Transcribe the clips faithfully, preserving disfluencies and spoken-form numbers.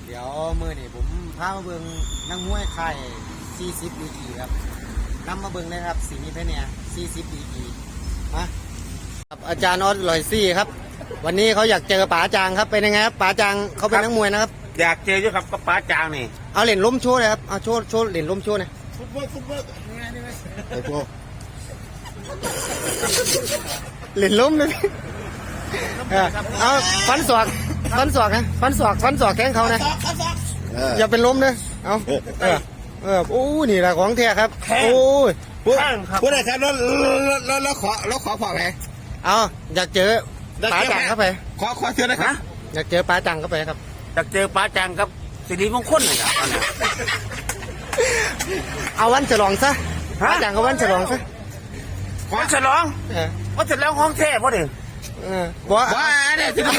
เดี๋ยวมือนี่ผมพามาเบิ่งนักมวยไทยสี่สิบดีกีครับนำมาเบิ่งเลยครับสีนี้เพเนี่ยสี่สิบดีกีมาครับอาจารย์ออสลอยซี่ครับวันนี้เขาอยากเจอป๋าจางครับเป็นยังไงครับป๋าจางเขาเป็นนักมวยนะครับอยากเจออยู่ครับกับป๋าจางนี่เอาเหรียญล้มโชว์เลยครับเอาโชว์โชว์เหรียญล้มโชว์หน่อยฟุตบอลฟุตบอลไอ้พวกเหรียญล้มเลยเอาฟันศอกฟันศอกนะฟันศอกฟันศอกแข้งเขานะอย่าเป็นล้มนะเอาเออเออโอ้นี่แหละของแท้ครับโอ้ยพูดพูดอะไรครับแล้วแล้วแล้วขอแล้วขอพอไหมเอาอยากเจอป๋าจังเข้าไปขอขอเชิญนะครับอยากเจอป๋าจังเข้าไปครับอยากเจอป๋าจังครับสิริมงคลเลยครับเอาวันฉลองซะป๋าจังก็วันฉลองซะวันฉลองวันฉลองของแท้พ่อเด็กว่าว่าเนี่ยสิ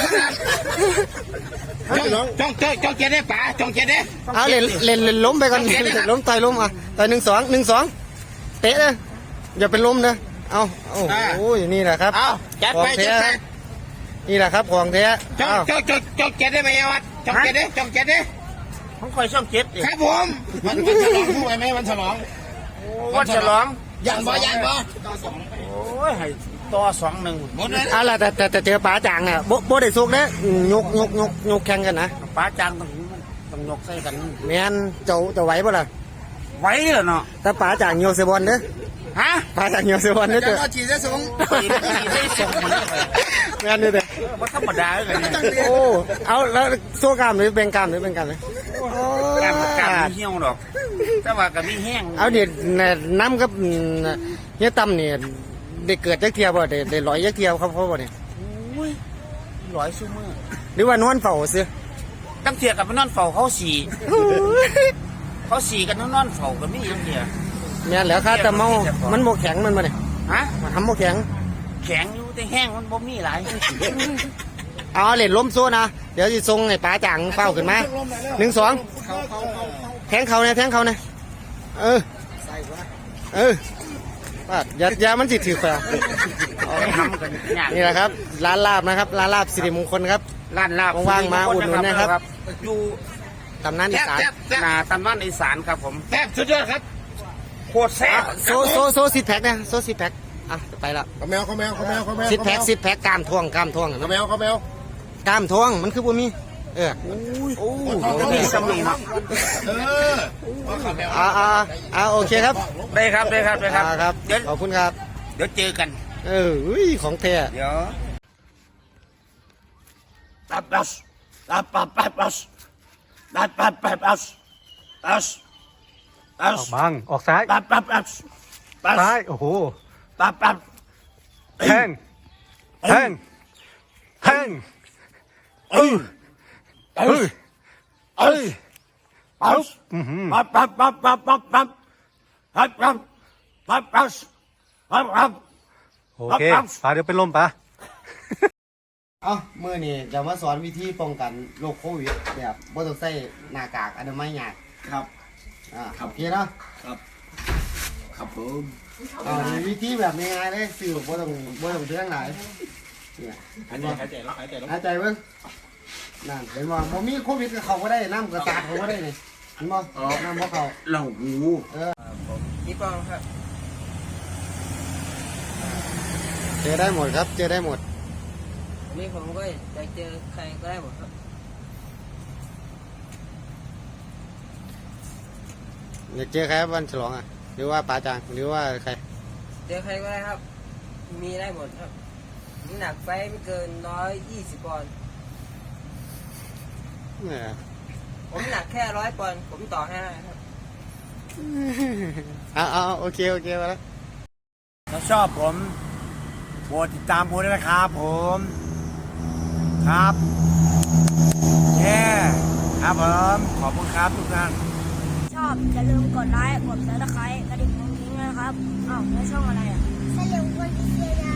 จ้องจ้องจ้องจ้องเจได้ป๋าจ้องเจได้เอาเล่นเล่นเล่นล้มไปก่อนล้มต่อยล้มอ่ะต่อยหนึ่งสองหนึ่งสองเตะเลยอย่าเป็นล้มนะเอาโอ้โหนี่แหละครับเอาจัดไปจัดไปนี่แหละครับของแท้จ้องจ้องจ้องจ้องเจได้ไหมวัดจ้องเจได้จ้องเจได้ผมคอยช่องเจ็ดครับผมวันวันฉลองพูดไหมวันฉลองวันฉลองยันบ่ยันบ่โอ้ยให้ต่อสองหนึ่งหมดเลยอะไรแต่แต่แต่เจอป๋าจางเนี่ยโบโบได้สุกเนี่ยยกยกยกยกแข่งกันนะป๋าจางต้องต้องยกใส่กันแมนเจ้าจะไหวป่ะล่ะไหวเหรอเนาะแต่ป๋าจางโยเซบอลเด้อฮะป๋าจางโยเซบอลเด้อเจ้าจีได้สูงจีได้สูงแมนนี่เด้อว่าธรรมดาเลยโอ้เอาแล้วโซ่กล้ามหรือเป็นกล้ามหรือเป็นกล้ามเลยกล้ามกล้ามเหี้ยวดอกแต่ว่ากับมีแห้งเอาเดี๋ยวน้ำกับเฮียตั้มเนี่ยได้เกิดยักเทียบบ่ได้ได้ลอยยักเทียบเขาเพราะว่าเนี่ยลอยซูมือหรือว่านอนเฝ้าซื้อตั้งเทียกับนอนเฝ้าเขาสี่เขาสี่กันนอนเฝ้ากันไม่ยังเทียเนี่ยแล้วค่ะแต่เมามันโมแข็งมันมาเนี่ยฮะมันทำโมแข็งแข็งอยู่แต่แห้งมันบ่มีหลายเอาเล่นล้มโซ่นะเดี๋ยวจะทรงไอ้ป๋าจางเฝ้าขึ้นมาหนึ่งสองแทงเขาเนี่ยแทงเขาเนี่ยเออเออว่ายายามันจิตถือแฝงนี่แหละครับร้านลาบนะครับร้านลาบสิริมงคลครับร้านลาบว่างมาอุดหนุนนะครับอยู่ตำนานอีสานนาตำนานอีสานครับผมแซ่บสุดยอดครับโคตรแซ่บโซโซโซซิดแพ็กเนี่ยโซซิดแพ็กอ่ะไปละข้าวแมวข้าวแมวข้าวแมวข้าวแมวซิดแพ็กซิดแพ็กกล้ามทวงกล้ามทวงข้าวแมวข้าวแมวกล้ามทวงมันคือบ่มีเออโอ้โหมีสมีเนาะเอออ่าอ่าอ่าโอเคครับได้ครับได้ครับได้ครับครับขอบคุณครับเดี๋ยวเจอกันเออของแท้เดี๋ยวตับตับตับตับตับตับตับตับตับตับตับออกบังออกซ้ายตับตับตับซ้ายโอ้โหตับตับแทงแทงแทงเออเออเออปั๊บปั๊บปั๊บปั๊บปั๊บปั๊บปั๊บปั๊บปั๊บปั๊บปั๊บปั๊บปั๊บโอเคปาเดี๋ยวเป็นลมปะเอ้าเมื่อนี่จะมาสอนวิธีป้องกันโรคโควิดแบบบ่ต้องใส่หน้ากากอนามัยยากครับอ่าโอเคเนาะครับครับผมอ่าวิธีแบบง่ายๆเลยสื่อบ่ต้องบ่ต้องเรื่องไหนเนี่ยหายใจหายใจแล้วหายใจแล้วหายใจเบิ่งนั่นเห็นว่าบ่มีโควิดก็เข้าบ่ได้น้ำก็สาดเข้าบ่ได้นี่เห็นบ่น้ำบ่เข้าเหล่าหูเออพี่ป้องครับเจอได้หมดครับเจอได้หมดนี่ผมก็จะเจอใครก็ได้หมดครับอยากเจอใครวันฉลองอ่ะหรือว่าป๋าจางหรือว่าใครเจอใครก็ได้ครับมีได้หมดครับน้ำหนักไฟไม่เกินร้อยยี่สิบปอนด์ผมหนักแค่ร้อยปอนด์ผมต่อให้ได้ครับเอาเอาโอเคโอเคมาแล้วถ้าชอบผมโปรดติดตามผมด้วยนะครับผมครับเย้ครับผมขอบคุณครับทุกท่านชอบอย่าลืมกดไลค์กดซับสไครต์กระดิ่งกรุ้งกิ้งนะครับอ้าวแล้วช่องอะไรอ่ะเฉลียวคนพิเศษ